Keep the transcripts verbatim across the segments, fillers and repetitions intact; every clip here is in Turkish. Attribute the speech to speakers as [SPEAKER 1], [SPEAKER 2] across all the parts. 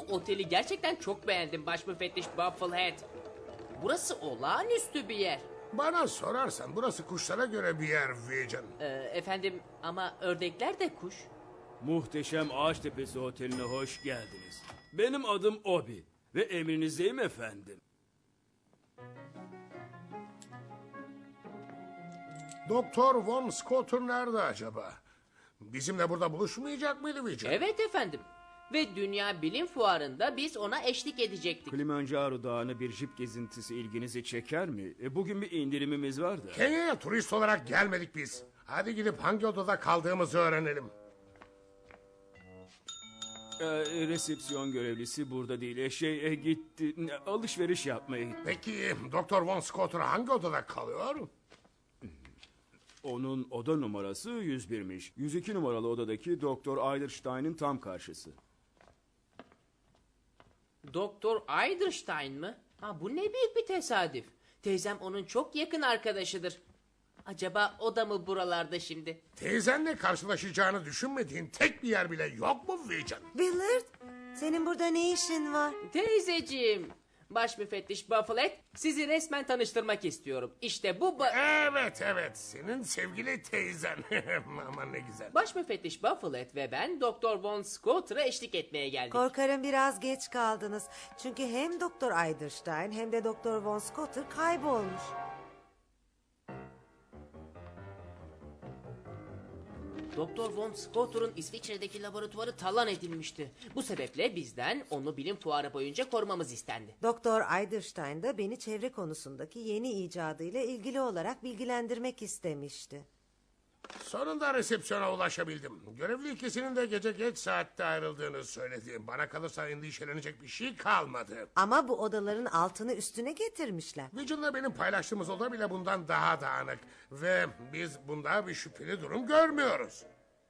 [SPEAKER 1] oteli gerçekten çok beğendim baş müfettiş Bufflehead. Burası olağanüstü bir yer.
[SPEAKER 2] Bana sorarsan burası kuşlara göre bir yer Vision.
[SPEAKER 1] Ee, efendim ama ördekler de kuş.
[SPEAKER 3] Muhteşem Ağaçtepesi Oteli'ne hoş geldiniz. Benim adım Obi ve emrinizdeyim efendim.
[SPEAKER 2] Doktor Von Scotter nerede acaba? Bizimle burada buluşmayacak mıydı Vision?
[SPEAKER 1] Evet efendim. Ve Dünya Bilim Fuarı'nda biz ona eşlik edecektik.
[SPEAKER 3] Kilimanjaro Dağı'na bir jip gezintisi ilginizi çeker mi? E, bugün bir indirimimiz var da.
[SPEAKER 2] Kenya'ya turist olarak gelmedik biz. Hadi gidip hangi odada kaldığımızı öğrenelim.
[SPEAKER 3] E, resepsiyon görevlisi burada değil. E, şey e, gitti. Ne, alışveriş yapmaya gitti.
[SPEAKER 2] Peki Doktor Von Scotter hangi odada kalıyor?
[SPEAKER 3] Onun oda numarası yüz bir'miş. yüz iki numaralı odadaki Doktor Eiderstein'in tam karşısı.
[SPEAKER 1] Doktor Eiderstein mı? Ha, bu ne büyük bir tesadüf. Teyzem onun çok yakın arkadaşıdır. Acaba o da mı buralarda şimdi?
[SPEAKER 2] Teyzenle karşılaşacağını düşünmediğin tek bir yer bile yok mu Vision?
[SPEAKER 4] Willard, senin burada ne işin var?
[SPEAKER 1] Teyzeciğim. Baş müfettiş Bufflehead, sizi resmen tanıştırmak istiyorum. İşte bu... ba-
[SPEAKER 2] Evet evet senin sevgili teyzen. Aman ne güzel.
[SPEAKER 1] Baş müfettiş Bufflehead ve ben Doktor Von Scotter'a eşlik etmeye geldik.
[SPEAKER 4] Korkarım biraz geç kaldınız. Çünkü hem Doktor Eiderstein hem de Doktor Von Scotter kaybolmuş.
[SPEAKER 1] Doktor Von Scotter'ın İsviçre'deki laboratuvarı talan edilmişti. Bu sebeple bizden onu bilim fuarı boyunca korumamız istendi.
[SPEAKER 4] Doktor Eiderstein da beni çevre konusundaki yeni icadıyla ilgili olarak bilgilendirmek istemişti.
[SPEAKER 2] Sonunda resepsiyona ulaşabildim. Görevli ikisinin de gece geç saatte ayrıldığını söyledi. Bana kalırsa endişelenecek bir şey kalmadı.
[SPEAKER 4] Ama bu odaların altını üstüne getirmişler.
[SPEAKER 2] Vision'la benim paylaştığımız oda bile bundan daha dağınık. Ve biz bunda bir şüpheli durum görmüyoruz.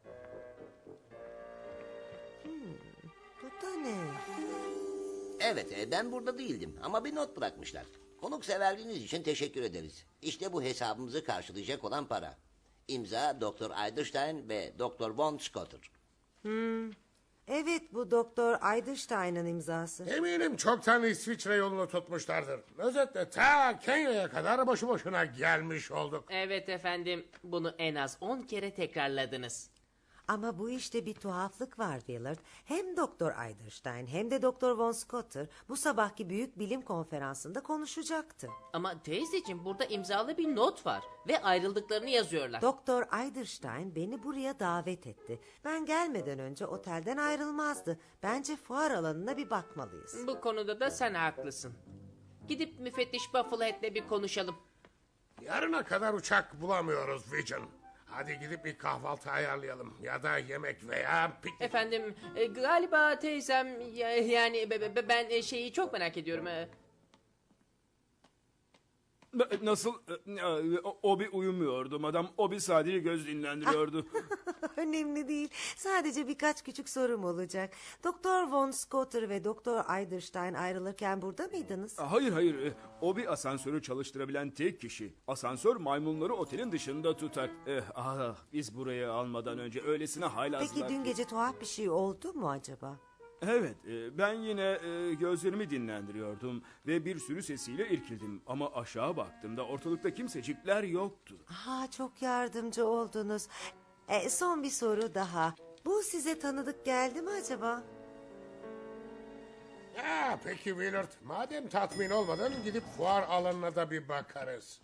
[SPEAKER 4] Bu da ne?
[SPEAKER 5] Evet, e, ben burada değildim ama bir not bırakmışlar. Konukseverliğiniz için teşekkür ederiz. İşte bu hesabımızı karşılayacak olan para. İmza Doktor Eiderstein ve Doktor Von Scotter.
[SPEAKER 4] Hmm. Evet, bu Doktor Eiderstein'ın imzası.
[SPEAKER 2] Eminim çoktan İsviçre yolunu tutmuşlardır. Özetle ta Kenya'ya kadar boşu boşuna gelmiş olduk.
[SPEAKER 1] Evet efendim, bunu en az on kere tekrarladınız.
[SPEAKER 4] Ama bu işte bir tuhaflık var Willard. Hem Doktor Eiderstein hem de Doktor Von Scotter bu sabahki büyük bilim konferansında konuşacaktı.
[SPEAKER 1] Ama teyzeciğim, burada imzalı bir not var ve ayrıldıklarını yazıyorlar.
[SPEAKER 4] Doktor Eiderstein beni buraya davet etti. Ben gelmeden önce otelden ayrılmazdı. Bence fuar alanına bir bakmalıyız.
[SPEAKER 1] Bu konuda da sen haklısın. Gidip müfettiş Bufflehead'le bir konuşalım.
[SPEAKER 2] Yarına kadar uçak bulamıyoruz Vision. Hadi gidip bir kahvaltı ayarlayalım. Ya da yemek veya piknik.
[SPEAKER 1] Efendim e, galiba teyzem ya- yani be- be- ben e, şeyi çok merak ediyorum. e.
[SPEAKER 3] Nasıl? E, o- Obi uyumuyordu madam. Obi sadece göz dinlendiriyordu.
[SPEAKER 4] Önemli değil. Sadece birkaç küçük sorum olacak. Doktor Von Scotter ve Doktor Eiderstein ayrılırken burada mıydınız?
[SPEAKER 3] Hayır hayır. E, Obi asansörü çalıştırabilen tek kişi. Asansör maymunları otelin dışında tutar. Eh, ah, biz buraya almadan önce öylesine haylazlar.
[SPEAKER 4] Peki dün gece tuhaf bir şey oldu mu acaba?
[SPEAKER 3] Evet, e, ben yine e, gözlerimi dinlendiriyordum ve bir sürü sesiyle irkildim. Ama aşağı baktığımda ortalıkta kimsecikler yoktu.
[SPEAKER 4] Ha, çok yardımcı oldunuz. E, son bir soru daha. Bu size tanıdık geldi mi acaba?
[SPEAKER 2] Ya peki Willard, madem tatmin olmadın gidip fuar alanına da bir bakarız.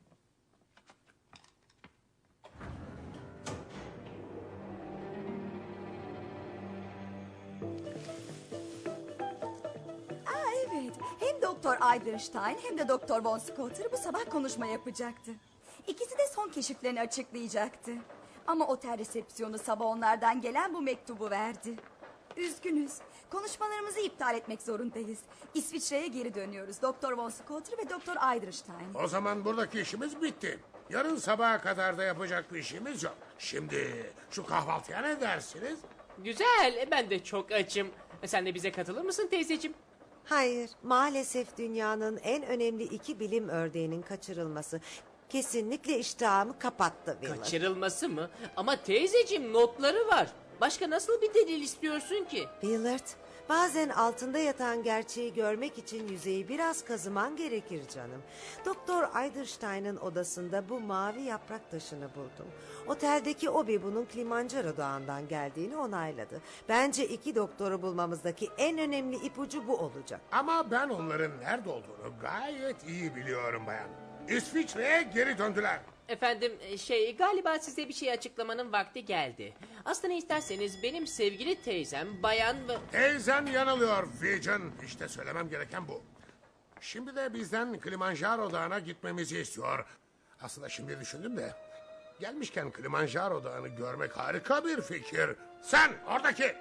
[SPEAKER 6] Aa, evet. Hem Doktor Eiderstein hem de Doktor Von Scotter bu sabah konuşma yapacaktı. İkisi de son keşiflerini açıklayacaktı. Ama otel resepsiyonu sabah onlardan gelen bu mektubu verdi. Üzgünüz. Konuşmalarımızı iptal etmek zorundayız. İsviçre'ye geri dönüyoruz. Doktor Von Scotter ve Doktor Eiderstein.
[SPEAKER 2] O zaman buradaki işimiz bitti. Yarın sabaha kadar da yapacak bir işimiz yok. Şimdi şu kahvaltıya ne dersiniz?
[SPEAKER 1] Güzel, e, ben de çok açım. E, Sen de bize katılır mısın teyzeciğim?
[SPEAKER 4] Hayır, maalesef dünyanın en önemli iki bilim ördeğinin kaçırılması kesinlikle iştahımı kapattı Willard.
[SPEAKER 1] Kaçırılması mı? Ama teyzeciğim, notları var. Başka nasıl bir delil istiyorsun ki?
[SPEAKER 4] Willard, Bazen altında yatan gerçeği görmek için yüzeyi biraz kazıman gerekir canım. Doktor Eiderstein'ın odasında bu mavi yaprak taşını buldum. Oteldeki Obi bunun Kilimanjaro Dağı'ndan geldiğini onayladı. Bence iki doktoru bulmamızdaki en önemli ipucu bu olacak.
[SPEAKER 2] Ama ben onların nerede olduğunu gayet iyi biliyorum bayan. İsviçre'ye geri döndüler.
[SPEAKER 1] Efendim şey galiba size bir şey açıklamanın vakti geldi. Aslında isterseniz benim sevgili teyzem bayan ve...
[SPEAKER 2] Teyzen yanılıyor Vision. İşte söylemem gereken bu. Şimdi de bizden Kilimanjaro Dağı'na gitmemizi istiyor. Aslında şimdi düşündüm de... Gelmişken Kilimanjaro Dağı'nı görmek harika bir fikir. Sen oradaki...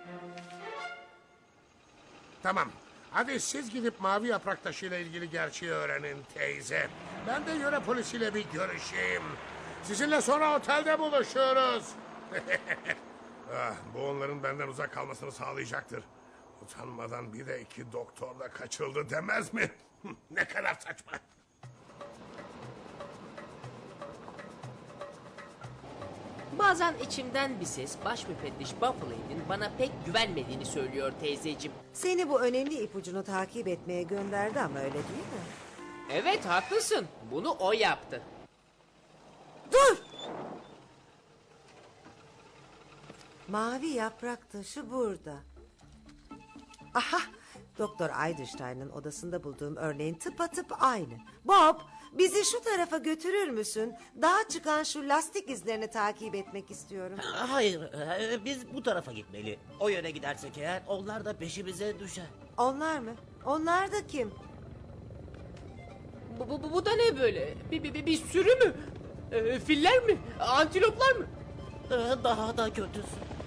[SPEAKER 2] Tamam. Hadi siz gidip mavi yaprak taşıyla ilgili gerçeği öğrenin teyze. Ben de yöre polisiyle bir görüşeyim. Sizinle sonra otelde buluşuruz. ah, bu onların benden uzak kalmasını sağlayacaktır. Utanmadan bir de iki doktor da kaçırıldı demez mi? Ne kadar saçma.
[SPEAKER 1] Bazen içimden bir ses baş müfettiş Buffalo'nun bana pek güvenmediğini söylüyor teyzeciğim.
[SPEAKER 4] Seni bu önemli ipucunu takip etmeye gönderdi ama öyle değil mi?
[SPEAKER 1] Evet haklısın. Bunu o yaptı.
[SPEAKER 4] Dur! Mavi yaprak taşı burada. Aha! Doktor Eiderstein'ın odasında bulduğum örneğin tıpatıp aynı. Bob, bizi şu tarafa götürür müsün? Dağa çıkan şu lastik izlerini takip etmek istiyorum.
[SPEAKER 7] Hayır, e, biz bu tarafa gitmeli. O yöne gidersek eğer onlar da peşimize düşer.
[SPEAKER 4] Onlar mı? Onlar da kim?
[SPEAKER 1] Bu, bu, bu, bu da ne böyle? Bir, bir, bir, bir sürü mü? Ee, filler mi? Antiloplar mı?
[SPEAKER 7] E, Daha da kötüsü.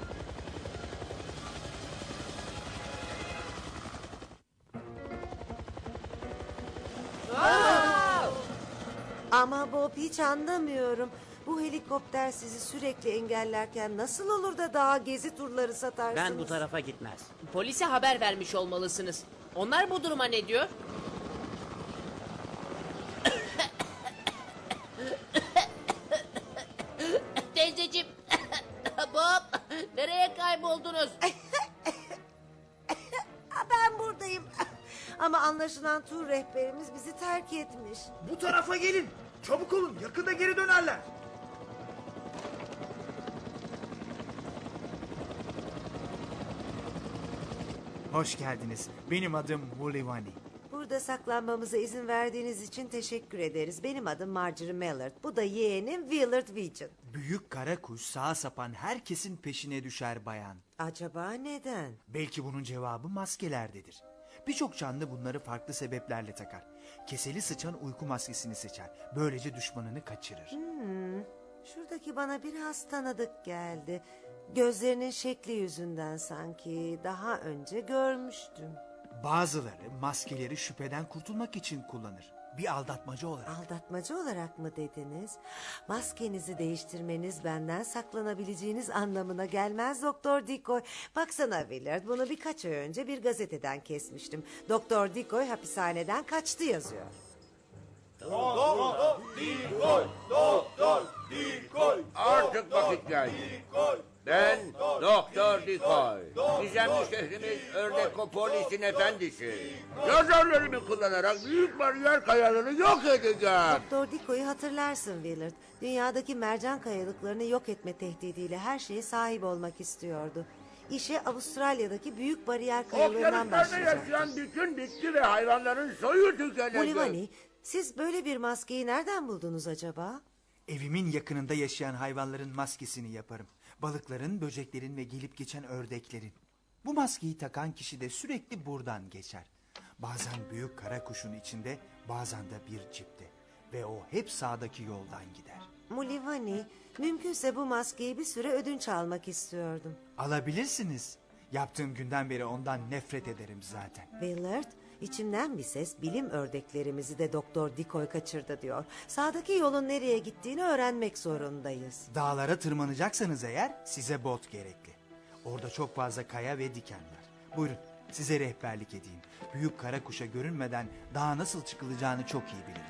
[SPEAKER 4] Ama Bob hiç anlamıyorum. Bu helikopter sizi sürekli engellerken nasıl olur da dağa gezi turları satarsınız?
[SPEAKER 7] Ben bu tarafa gitmez.
[SPEAKER 1] Polise haber vermiş olmalısınız. Onlar bu duruma ne diyor? Teyzeciğim. Bob, nereye kayboldunuz?
[SPEAKER 4] Ha, ben buradayım. Ama anlaşılan tur rehberimiz bizi terk etmiş.
[SPEAKER 8] Bu tarafa gelin. Çabuk olun. Yakında geri dönerler. Hoş geldiniz. Benim adım Mulivani.
[SPEAKER 4] Burada saklanmamıza izin verdiğiniz için teşekkür ederiz. Benim adım Marjorie Mallard. Bu da yeğenim Willard Vision.
[SPEAKER 8] Büyük kara kuş sağa sapan herkesin peşine düşer bayan.
[SPEAKER 4] Acaba neden?
[SPEAKER 8] Belki bunun cevabı maskelerdedir. Birçok canlı bunları farklı sebeplerle takar. Keseli sıçan uyku maskesini seçer. Böylece düşmanını kaçırır.
[SPEAKER 4] Hmm, şuradaki bana biraz tanıdık geldi. Gözlerinin şekli yüzünden sanki daha önce görmüştüm.
[SPEAKER 8] Bazıları maskeleri şüpheden kurtulmak için kullanır. Bir aldatmacı olarak.
[SPEAKER 4] Aldatmacı olarak mı dediniz? Maskenizi değiştirmeniz benden saklanabileceğiniz anlamına gelmez Doktor Decoy. Baksana Willard, bunu birkaç ay önce bir gazeteden kesmiştim. Doktor Decoy hapishaneden kaçtı yazıyor.
[SPEAKER 9] Artık vakit geldi. Ben Doktor Decoy. Gizemli şehrimiz Örnekopolis'in efendisi. Yazarlarımı kullanarak büyük bariyer kayalarını yok edeceğim.
[SPEAKER 4] Doktor Decoy'u hatırlarsın Willard. Dünyadaki mercan kayalıklarını yok etme tehdidiyle her şeye sahip olmak istiyordu. İşe Avustralya'daki büyük bariyer kayalarından
[SPEAKER 9] Okyanuslarda
[SPEAKER 4] başlayacak.
[SPEAKER 9] yaşayan bütün bitki ve hayvanların soyu tükenecek.
[SPEAKER 4] Mulivani, siz böyle bir maskeyi nereden buldunuz acaba?
[SPEAKER 8] Evimin yakınında yaşayan hayvanların maskesini yaparım. Balıkların, böceklerin ve gelip geçen ördeklerin. Bu maskeyi takan kişi de sürekli buradan geçer. Bazen büyük kara kuşun içinde, bazen de bir cipte. Ve o hep sağdaki yoldan gider.
[SPEAKER 4] Mulivani, mümkünse bu maskeyi bir süre ödünç almak istiyordum.
[SPEAKER 8] Alabilirsiniz. Yaptığım günden beri ondan nefret ederim zaten.
[SPEAKER 4] Willard, içimden bir ses bilim ördeklerimizi de Doktor Decoy kaçırdı diyor. Sağdaki yolun nereye gittiğini öğrenmek zorundayız.
[SPEAKER 8] Dağlara tırmanacaksanız eğer size bot gerekli. Orada çok fazla kaya ve diken var. Buyurun size rehberlik edeyim. Büyük kara kuşa görünmeden dağa nasıl çıkılacağını çok iyi bilirim.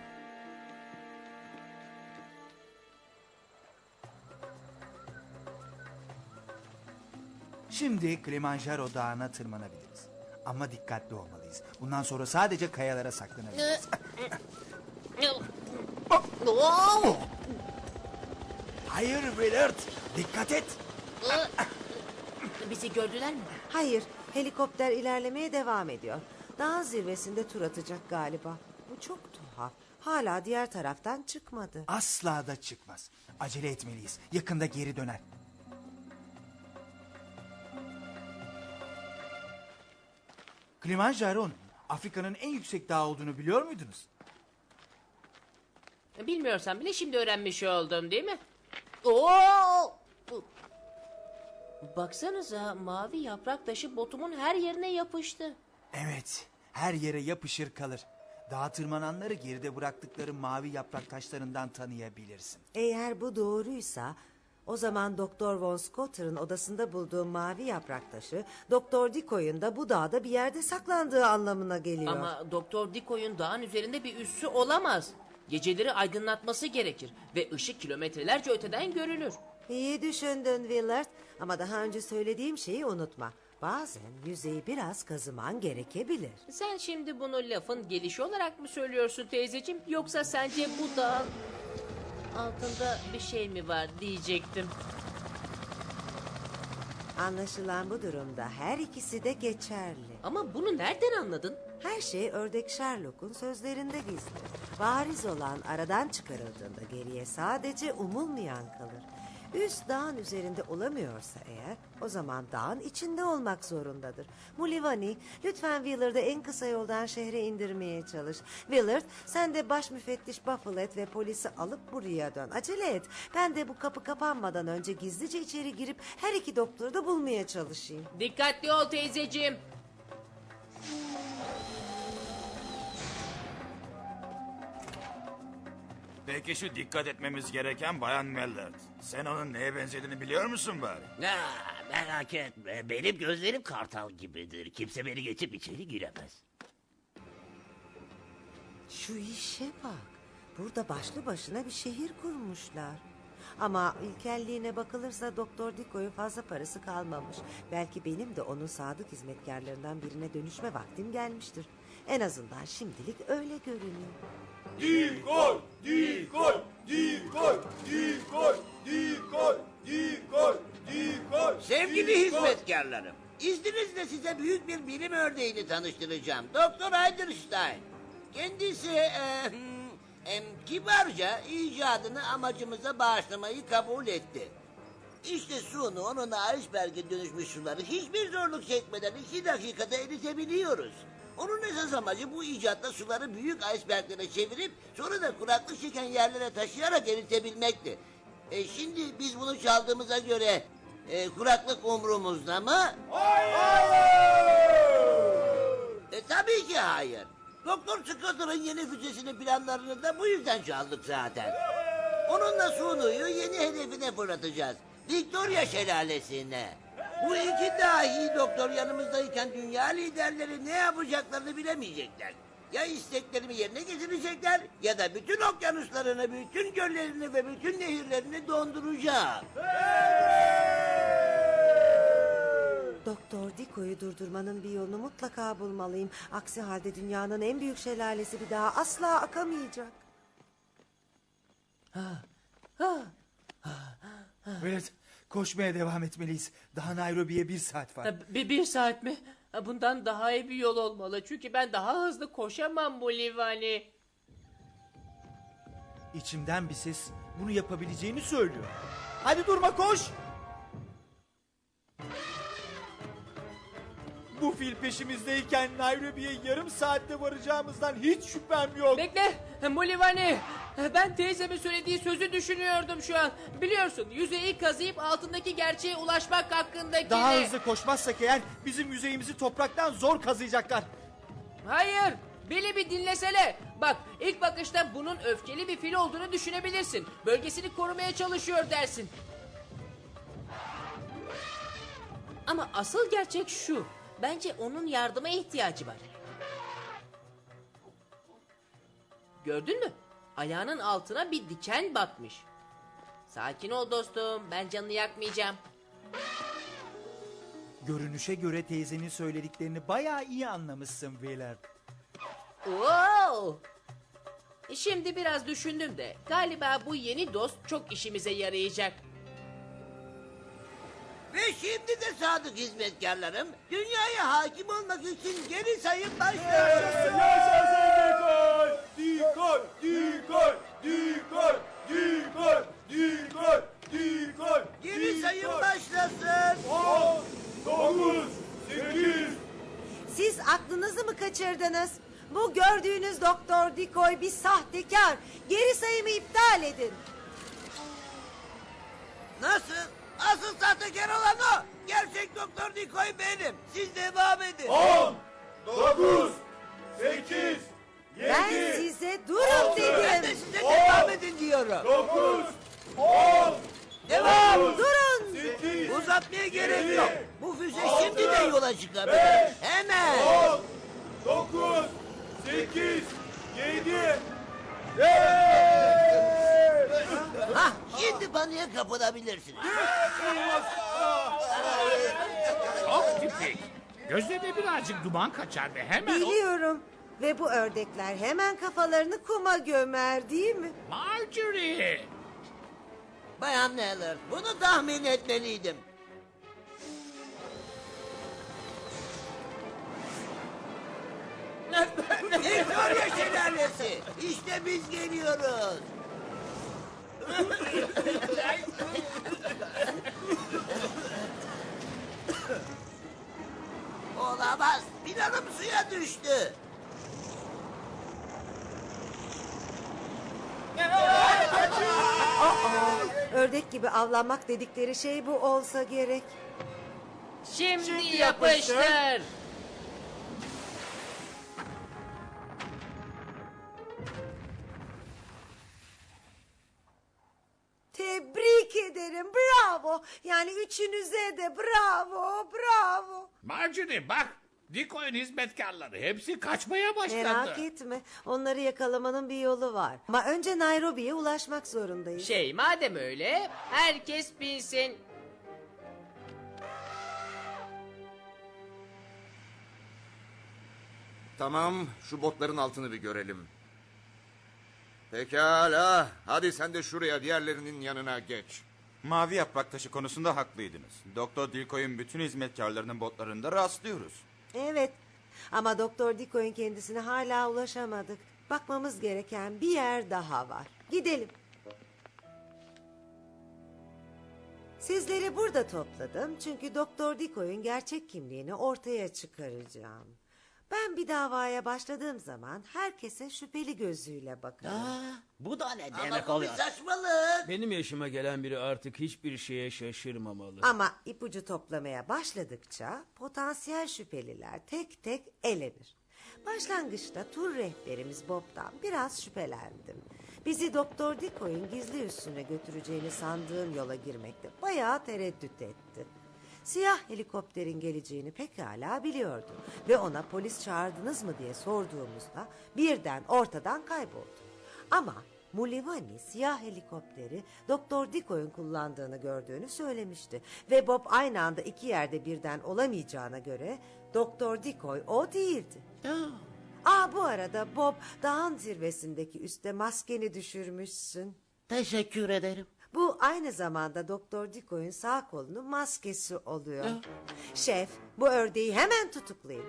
[SPEAKER 8] Şimdi Kilimanjaro Dağı'na tırmanabiliriz. Ama dikkatli olmalıyız. Bundan sonra sadece kayalara saklanabiliriz.
[SPEAKER 1] Oo!
[SPEAKER 8] Hayır Willard, dikkat et.
[SPEAKER 1] Bizi gördüler mi?
[SPEAKER 4] Hayır, helikopter ilerlemeye devam ediyor. Dağın zirvesinde tur atacak galiba. Bu çok tuhaf. Hala diğer taraftan çıkmadı.
[SPEAKER 8] Asla da çıkmaz. Acele etmeliyiz. Yakında geri döner. Kilimanjaro'nun Afrika'nın en yüksek dağı olduğunu biliyor muydunuz?
[SPEAKER 1] Bilmiyorsan bile şimdi öğrenmiş oldum değil mi? Oo! Baksanıza mavi yaprak taşı botumun her yerine yapıştı.
[SPEAKER 8] Evet, her yere yapışır kalır. Dağa tırmananları geride bıraktıkları mavi yaprak taşlarından tanıyabilirsin.
[SPEAKER 4] Eğer bu doğruysa o zaman Doktor Von Scotter'ın odasında bulduğu mavi yaprak taşı Doktor Decoy'un da bu dağda bir yerde saklandığı anlamına geliyor.
[SPEAKER 1] Ama Doktor Decoy'un dağın üzerinde bir üssü olamaz. Geceleri aydınlatması gerekir ve ışık kilometrelerce öteden görülür.
[SPEAKER 4] İyi düşündün Willard ama daha önce söylediğim şeyi unutma. Bazen yüzeyi biraz kazıman gerekebilir.
[SPEAKER 1] Sen şimdi bunu lafın gelişi olarak mı söylüyorsun teyzeciğim? Yoksa sence bu dağın altında bir şey mi var diyecektim.
[SPEAKER 4] Anlaşılan bu durumda her ikisi de geçerli.
[SPEAKER 1] Ama bunu nereden anladın?
[SPEAKER 4] Her şey ördek Sherlock'un sözlerinde gizli. Bariz olan aradan çıkarıldığında geriye sadece umulmayan kalır. Üst dağın üzerinde olamıyorsa eğer o zaman dağın içinde olmak zorundadır. Mulivani lütfen Willard'ı en kısa yoldan şehre indirmeye çalış. Willard sen de baş müfettiş Bufflet ve polisi alıp buraya dön. Acele et. Ben de bu kapı kapanmadan önce gizlice içeri girip her iki doktoru da bulmaya çalışayım.
[SPEAKER 1] Dikkatli ol teyzeciğim.
[SPEAKER 10] Peki şu dikkat etmemiz gereken Bayan Mellard. Sen onun neye benzediğini biliyor musun bari?
[SPEAKER 7] Ya, merak etme. Benim gözlerim kartal gibidir. Kimse beni geçip içeri giremez.
[SPEAKER 4] Şu işe bak. Burada başlı başına bir şehir kurmuşlar. Ama ilkelliğine bakılırsa Doktor Decoy'un fazla parası kalmamış. Belki benim de onun sadık hizmetkarlarından birine dönüşme vaktim gelmiştir. En azından şimdilik öyle görünüyor.
[SPEAKER 10] Decoy, decoy, decoy, decoy, decoy, decoy, decoy.
[SPEAKER 5] Sevgili hizmetkarlarım, izninizle size büyük bir bilim örneğini tanıştıracağım. Doktor Eiderstein. Kendisi e, e, kibarca icadını amacımıza bağışlamayı kabul etti. İşte sunu onun iceberg'e dönüşmüş suları hiçbir zorluk çekmeden iki dakikada eritebiliyoruz. Onun esas amacı bu icatla suları büyük iceberglere çevirip sonra da kuraklık çeken yerlere taşıyarak eritebilmekti. E, şimdi biz bunu çaldığımıza göre e, kuraklık umrumuzda mı? Hayır! E, tabii ki hayır. Doktor Scotter'ın yeni füzesinin planlarını da bu yüzden çaldık zaten. Onunla Sunu'yu yeni hedefine fırlatacağız. Victoria Şelalesi'ne. Bu iki dahi doktor yanımızdayken dünya liderleri ne yapacaklarını bilemeyecekler. Ya isteklerimi yerine getirecekler ya da bütün okyanuslarını, bütün göllerini ve bütün nehirlerini donduracağım.
[SPEAKER 4] Doktor Decoy'u durdurmanın bir yolunu mutlaka bulmalıyım. Aksi halde dünyanın en büyük şelalesi bir daha asla akamayacak.
[SPEAKER 8] Willard, koşmaya devam etmeliyiz. Daha Nairobi'ye bir saat var.
[SPEAKER 1] Ha, Bir, bir saat mi? Ha, Bundan daha iyi bir yol olmalı. Çünkü ben daha hızlı koşamam bu Livani.
[SPEAKER 8] İçimden bir ses bunu yapabileceğini söylüyor. Hadi durma, koş! Bu fil peşimizdeyken Nairobi'ye yarım saatte varacağımızdan hiç şüphem yok.
[SPEAKER 1] Bekle Mulivani. Ben teyzemin söylediği sözü düşünüyordum şu an. Biliyorsun yüzeyi kazıyıp altındaki gerçeğe ulaşmak hakkındaki...
[SPEAKER 8] Daha hızlı koşmazsak eğer bizim yüzeyimizi topraktan zor kazıyacaklar.
[SPEAKER 1] Hayır. Beni bir dinlesene. Bak ilk bakışta bunun öfkeli bir fil olduğunu düşünebilirsin. Bölgesini korumaya çalışıyor dersin. Ama asıl gerçek şu. Bence onun yardıma ihtiyacı var. Gördün mü? Ayağının altına bir diken batmış. Sakin ol dostum. Ben canını yakmayacağım.
[SPEAKER 8] Görünüşe göre teyzenin söylediklerini bayağı iyi anlamışsın Willard.
[SPEAKER 1] Wow! Şimdi biraz düşündüm de galiba bu yeni dost çok işimize yarayacak.
[SPEAKER 5] Ve şimdi de sadık hizmetkarlarım dünyaya hakim olmak için geri sayım başlıyor.
[SPEAKER 3] Dikkat! Dikkat! Dikkat! Dikkat! Dikkat! Dikkat!
[SPEAKER 5] Geri sayım başlasın.
[SPEAKER 3] on, dokuz, sekiz.
[SPEAKER 4] Siz aklınızı mı kaçırdınız? Bu gördüğünüz Doktor Dikoy bir sahtekar. Geri sayımı iptal edin.
[SPEAKER 5] Nasıl? Asıl sahtekar olan o. Gerçek Doktor Dikoy benim. Siz devam edin.
[SPEAKER 3] on, dokuz, sekiz,
[SPEAKER 4] Ben size durun
[SPEAKER 5] Ben de
[SPEAKER 4] dedim.
[SPEAKER 5] size devam edin diyorum.
[SPEAKER 3] dokuz, on,
[SPEAKER 5] Devam.
[SPEAKER 4] Durun.
[SPEAKER 3] sekiz,
[SPEAKER 5] Uzatmaya gerek yok. Bu füze şimdi de yola çıkabilir. Hemen.
[SPEAKER 3] dokuz, sekiz, yedi.
[SPEAKER 5] Hah, şimdi paniğe kapılabilirsiniz.
[SPEAKER 2] Çok tipik. Gözlerine birazcık duman kaçar ve hemen o...
[SPEAKER 4] Biliyorum. Ve bu ördekler hemen kafalarını kuma gömer değil mi?
[SPEAKER 2] Marjorie!
[SPEAKER 5] Bayan Neller, bunu tahmin etmeliydim. Victoria şelalesi. İşte biz geliyoruz. Olamaz. Planım suya düştü.
[SPEAKER 4] Ördek gibi avlanmak dedikleri şey bu olsa gerek.
[SPEAKER 1] Şimdi, yapıştır.
[SPEAKER 4] Tebrik ederim. Bravo. Yani üçünüze de bravo. Bravo.
[SPEAKER 2] Marjorie bak. Dikoy'un hizmetkarları hepsi kaçmaya başladı.
[SPEAKER 4] Merak etme. Onları yakalamanın bir yolu var. Ama önce Nairobi'ye ulaşmak zorundayız.
[SPEAKER 1] Şey madem öyle herkes bilsin.
[SPEAKER 11] Tamam, şu botların altını bir görelim. Pekala, hadi sen de şuraya diğerlerinin yanına geç.
[SPEAKER 10] Mavi yaprak taşı konusunda haklıydınız. Doktor Dilkoy'un bütün hizmetkarlarının botlarında rastlıyoruz.
[SPEAKER 4] Evet. Ama Doktor Dikoy'un kendisine hala ulaşamadık. Bakmamız gereken bir yer daha var. Gidelim. Sizleri burada topladım çünkü Doktor Dikoy'un gerçek kimliğini ortaya çıkaracağım. Ben bir davaya başladığım zaman herkese şüpheli gözüyle bakarım.
[SPEAKER 7] Aa, bu da ne
[SPEAKER 5] Ama
[SPEAKER 7] demek
[SPEAKER 5] bu bir
[SPEAKER 7] oluyor?
[SPEAKER 5] saçmalık.
[SPEAKER 3] Benim yaşıma gelen biri artık hiçbir şeye şaşırmamalı.
[SPEAKER 4] Ama ipucu toplamaya başladıkça potansiyel şüpheliler tek tek elenir. Başlangıçta tur rehberimiz Bob'dan biraz şüphelendim. Bizi Doktor Dikoy'un gizli üssüne götüreceğini sandığım yola girmekte bayağı tereddüt etti. Siyah helikopterin geleceğini pekala biliyordu ve ona polis çağırdınız mı diye sorduğumuzda birden ortadan kayboldu. Ama Mulivani siyah helikopteri Doktor Dikoy'un kullandığını gördüğünü söylemişti ve Bob aynı anda iki yerde birden olamayacağına göre Doktor Dikoy o değildi. Aa, bu arada Bob dağın zirvesindeki üste maskeni düşürmüşsün.
[SPEAKER 7] Teşekkür ederim.
[SPEAKER 4] Bu aynı zamanda Doktor Dikoy'un sağ kolunun maskesi oluyor. Şef, bu ördeği hemen tutuklayın.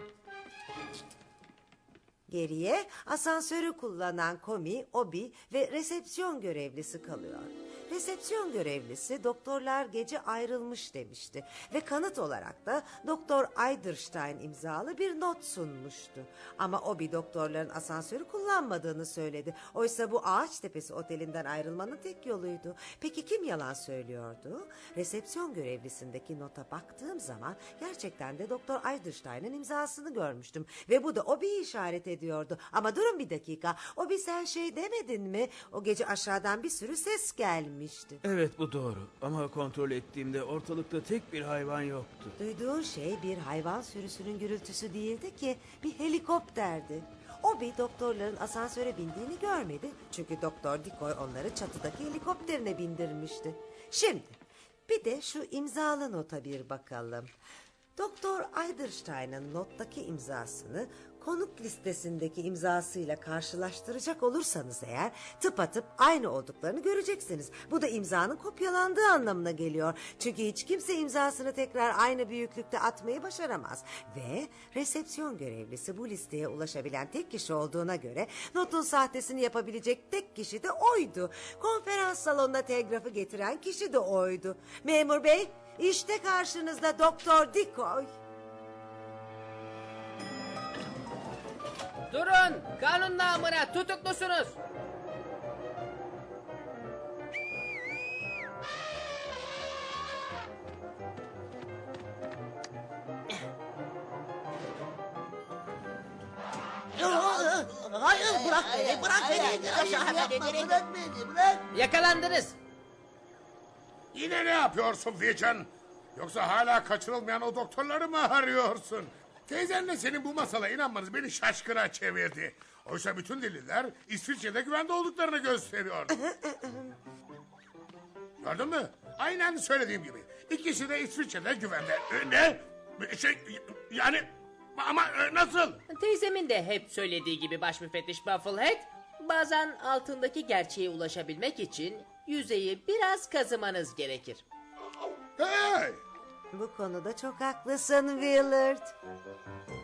[SPEAKER 4] Geriye asansörü kullanan Komi, Obi ve resepsiyon görevlisi kalıyor. Resepsiyon görevlisi doktorlar gece ayrılmış demişti ve kanıt olarak da Doktor Eiderstein imzalı bir not sunmuştu. Ama Obi doktorların asansörü kullanmadığını söyledi. Oysa bu Ağaçtepesi otelinden ayrılmanın tek yoluydu. Peki kim yalan söylüyordu? Resepsiyon görevlisindeki nota baktığım zaman gerçekten de Doktor Eiderstein'in imzasını görmüştüm ve bu da Obi'yi işaret ediyordu. Ama durun bir dakika. Obi, sen şey demedin mi? O gece aşağıdan bir sürü ses gelmişti.
[SPEAKER 3] Evet, bu doğru ama kontrol ettiğimde ortalıkta tek bir hayvan yoktu.
[SPEAKER 4] Duyduğun şey bir hayvan sürüsünün gürültüsü değildi ki, bir helikopterdi. Obi doktorların asansöre bindiğini görmedi. Çünkü Doktor Dikoy onları çatıdaki helikopterine bindirmişti. Şimdi bir de şu imzalı nota bir bakalım. Doktor Eiderstein'ın nottaki imzasını konuk listesindeki imzasıyla karşılaştıracak olursanız eğer tıpatıp aynı olduklarını göreceksiniz. Bu da imzanın kopyalandığı anlamına geliyor. Çünkü hiç kimse imzasını tekrar aynı büyüklükte atmayı başaramaz. Ve resepsiyon görevlisi bu listeye ulaşabilen tek kişi olduğuna göre notun sahtesini yapabilecek tek kişi de oydu. Konferans salonuna telgrafı getiren kişi de oydu. Memur bey, işte karşınızda Doktor Dikoy.
[SPEAKER 1] Durun! Kanun namına tutuklusunuz.
[SPEAKER 7] Hayır bırak beni bırak beni. Aşağı hemen ederim. Bırak beni bırak.
[SPEAKER 1] Yakalandınız.
[SPEAKER 2] Yine ne yapıyorsun Vision? Yoksa hala kaçırılmayan o doktorları mı arıyorsun? Teyzenle senin bu masala inanmanız beni şaşkına çevirdi. Oysa bütün deliller İsviçre'de güvende olduklarını gösteriyor. Gördün mü? Aynen söylediğim gibi. İkisi de İsviçre'de güvende. E, ne? Şey, yani ama e, nasıl?
[SPEAKER 1] Teyzemin de hep söylediği gibi baş müfettiş Bufflehead, bazen altındaki gerçeğe ulaşabilmek için yüzeyi biraz kazımanız gerekir.
[SPEAKER 2] Hey!
[SPEAKER 4] Bu konuda çok haklısın Willard.